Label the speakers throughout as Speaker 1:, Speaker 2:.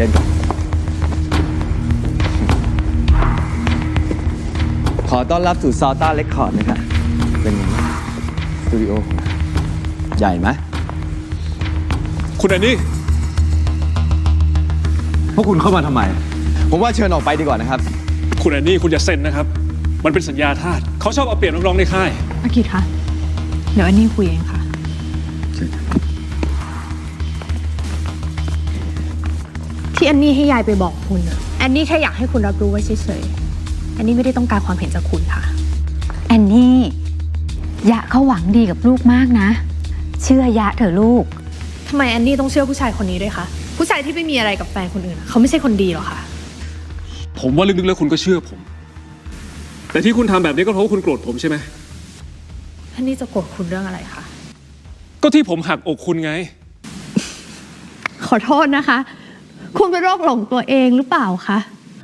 Speaker 1: ชิญก่อนขอต้อนรับสู่ซาวต้าเรคคอร์ดนะครับเป็นไงสตูดิโอใหญ่ไหม
Speaker 2: คุณแอนนี่
Speaker 1: พวกคุณเข้ามาทำไมผมว่าเชิญออกไปดีกว่านะครับ
Speaker 2: คุณแอนนี่คุณอย่าเซ็นนะครับมันเป็นสัญญาทาสเขาชอบเอาเปรียบนักร้องในค่าย
Speaker 3: อากิตคะเดี๋ยวอันนี้คุยเองค่ะที่อันนี้ให้ยายไปบอกคุณอันนี้แค่อยากให้คุณรับรู้ไว้เฉยๆอันนี้ไม่ได้ต้องการความเห็นจากคุณค่ะ
Speaker 4: แอนนี่ยะเขาหวังดีกับลูกมากนะเชื่อยะเถอะลูก
Speaker 3: ทำไมแอนนี่ต้องเชื่อผู้ชายคนนี้ด้วยคะผู้ชายที่ไม่มีอะไรกับแฟนคนอื่นเขาไม่ใช่คนดีหรอคะ
Speaker 2: ผมว่าลึกๆแล้วคุณก็เชื่อผมแต่ที่คุณทำแบบนี้ก็เพราะว่าคุณโกรธผมใช่ไหม
Speaker 3: แอนนี่จะโกรธคุณเรื่องอะไรคะ
Speaker 2: ก็ที่ผมหักอกคุณไง
Speaker 3: ขอโทษนะคะคุณเป็นโรคหลงตัวเองหรือเปล่าคะ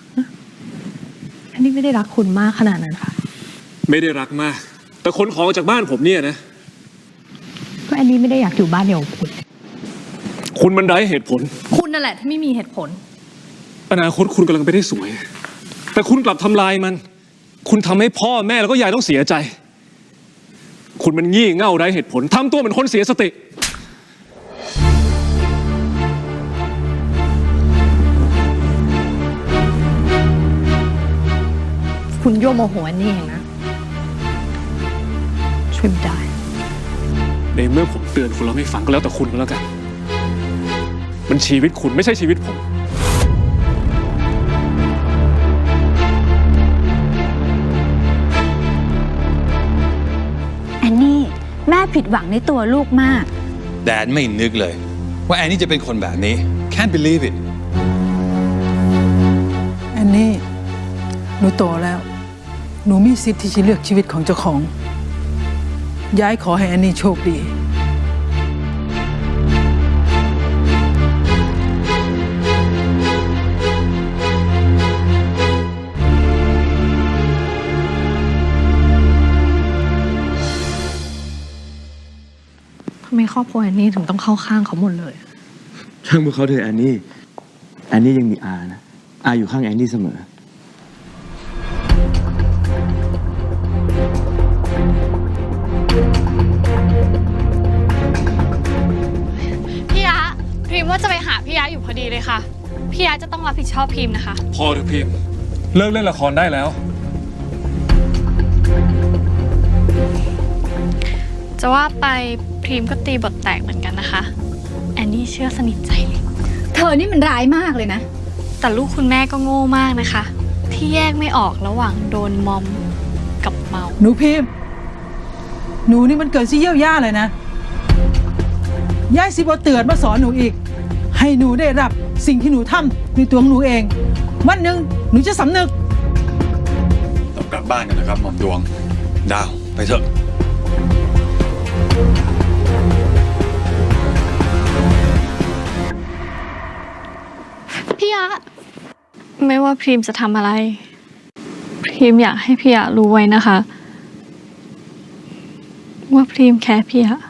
Speaker 3: อันนี้ไม่ได้รักคุณมากขนาดนั้นค่ะ
Speaker 2: ไม่ได้รักมากแต่ขนของจากบ้านผมเนี่ยนะ
Speaker 3: ก็อันนี้ไม่ได้อยากอยู่บ้านเดียวกับ
Speaker 2: คุณมันไร้เหตุผล
Speaker 3: คุณนั่นแหละที่ไม่มีเหตุผล
Speaker 2: อนาคตคุณกำลังไปได้สวยแต่คุณกลับทำลายมันคุณทำให้พ่อแม่แล้วก็ยายต้องเสียใจคุณมันงี่เง่าไร้เหตุผลทำตัวเหมือนคนเสียสติ
Speaker 3: คุณโยโมโหอันนี้เองนะช่วยไม่ได้
Speaker 2: ในเมื่อผมเตือนคุณแล้วไม่ฟังก็แล้วแต่คุณก็แล้วกันมันชีวิตคุณไม่ใช่ชีวิตผม
Speaker 4: แอนนี่แม่ผิดหวังในตัวลูกมาก
Speaker 5: แดดไม่นึกเลยว่าแอนนี่จะเป็นคนแบบนี้ Can't believe it
Speaker 6: แอนนี่หนูโตแล้วหนูมีสิทธิ์ที่จะเลือกชีวิตของเจ้าของยายขอให้แอนนี่โชคดี
Speaker 3: ทำไมครอบครัวแอนนี่ถึงต้องเข้าข้างเขาหมดเลย
Speaker 1: ช่างพวกเขาเถอะแอนนี่ยังมีอานะอาอยู่ข้างแอนนี่เสมอ
Speaker 7: พี่ยะพรีมว่าจะไปหาพี่ยะอยู่พอดีเลยค่ะพี่ยะจะต้องรับผิดชอบพรีมนะคะ
Speaker 2: พอเถอะพรีมเลิกเล่นละครได้แล้ว
Speaker 7: จะว่าไปพรีมก็ตีบทแตกเหมือนกันนะคะแอนนี่เชื่อสนิทใจเลย
Speaker 4: เธอนี่มันร้ายมากเลยนะ
Speaker 7: แต่ลูกคุณแม่ก็โง่มากนะคะที่แยกไม่ออกระหว่างโดนมอมกับเมา
Speaker 6: หนูพิมพ์หนูนี่มันเกิดซี่เยี่ยวย่าเลยนะย่ายสิบเตือนมาสอนหนูอีกให้หนูได้รับสิ่งที่หนูทำในตัวของหนูเองวันหนึ่งหนูจะสำนึก
Speaker 5: เรากลับบ้านกันนะครับหม่อมดวงดาวไปเถอะ
Speaker 7: พี่ยะไม่ว่าพรีมจะทำอะไรพรีมอยากให้พี่ยะรู้ไว้นะคะว่าพรีมแค่พี่ยะ